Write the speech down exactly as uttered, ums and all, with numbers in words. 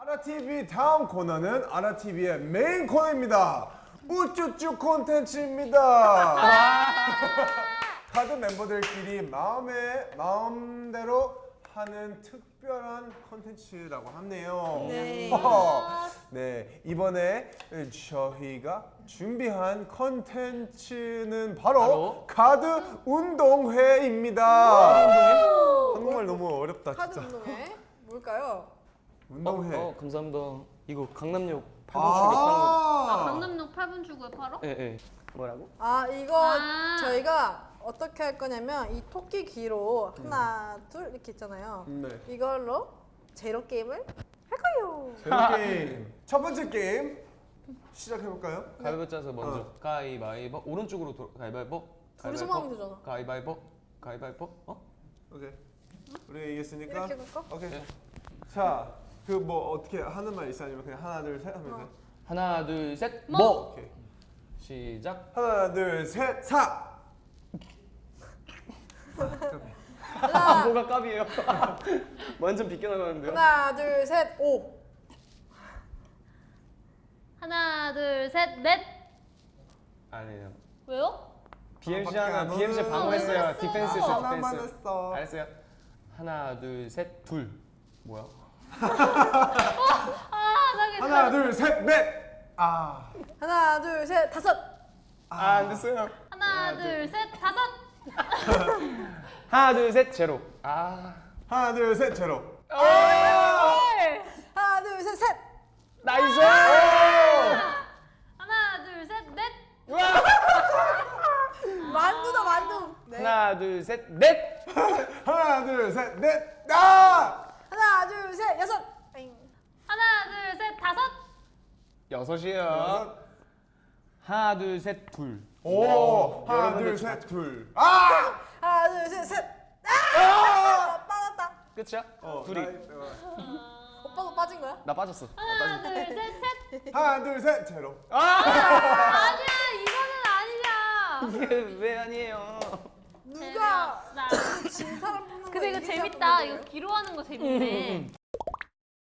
아라티비 다음 코너는 아라티비의 메인 코너입니다. 우쭈쭈 콘텐츠입니다. 다른 멤버들끼리 마음에 마음대로 하는 특별한 콘텐츠라고 하네요. 네. 네, 이번에 저희가 준비한 콘텐츠는 바로, 바로? 카드 운동회입니다. 한국말 너무 어렵다 카드 진짜. 운동회 뭘까요? 운동회. 어, 어 감사합니다. 이거 강남역 팔 번 출구 파는 거. 아, 아, 강남역 팔 분 출구에 팔어? 예, 예. 뭐라고? 아 이거 아. 저희가 어떻게 할 거냐면 이 토끼 귀로 하나 둘 이렇게 있잖아요. 네. 이걸로 제로 게임을 할 거예요. 제로 게임. 첫 번째 게임 시작해 볼까요? 가위바위보 짜서 먼저. 어. 가위바위보. 오른쪽으로 돌. 가위바위보. 둘이서만 하면 되잖아. 가위바위보. 가위바위보. 어? 오케이. 우리 이겼으니까. 이렇게 해볼까? 오케이. 네. 자, 그 뭐 어떻게 하는 말 있어 아니면 그냥 하나 둘 셋 하면 돼? 하나, 둘, 셋. 뭐? 뭐. 오케이. 시작. 하나 둘 셋 사. 아, 뭐가 깝이에요? 완전 비껴나가는데요. 하나 둘 셋 오. 하나, 둘, 셋, 넷. 아니에요. 왜요? 비엠씨 아, 하나, 밖에 안 비엠씨 오는- 방어했어요. 아, 디펜스 아, 했어요, 하나만 디펜스. 했어. 알았어요. 하나, 둘, 셋, 둘. 뭐야? 아, 나 하나 둘 셋 넷. 아. 하나 둘 셋 다섯. 아, 안 됐어요. 하나, 둘, 셋, 다섯. 하나, 둘, 셋, 제로. 아. 하나 둘 셋 제로. 네. 하나 둘 셋 셋. 나이스! 하나, 둘, 셋, 넷. 만두다 만두. 네. 하나, 둘, 셋, 넷! 하나 둘 셋 넷. 아! 하나 둘 셋 여섯. 엥. 하나, 둘, 셋, 다섯. 여섯이에요. 여섯. 하나, 둘, 셋, 둘. 오. 하나 여러분들 둘 셋 둘. 아! 하나 둘 셋 셋. 아! 빠졌다. 끝이야? 어, 둘이. 나- 어. 오빠도 빠진 거야? 나 빠졌어. 하나, 둘, 셋, 셋. 하나 둘 셋 제로. 아니야, 이거는 아니야. 이게 왜 아니에요? 누가 나. 진 사람 뽑는 거 근데 이거 이기자 재밌다. 뽑는 이거 거예요? 기로 하는 거 재밌네.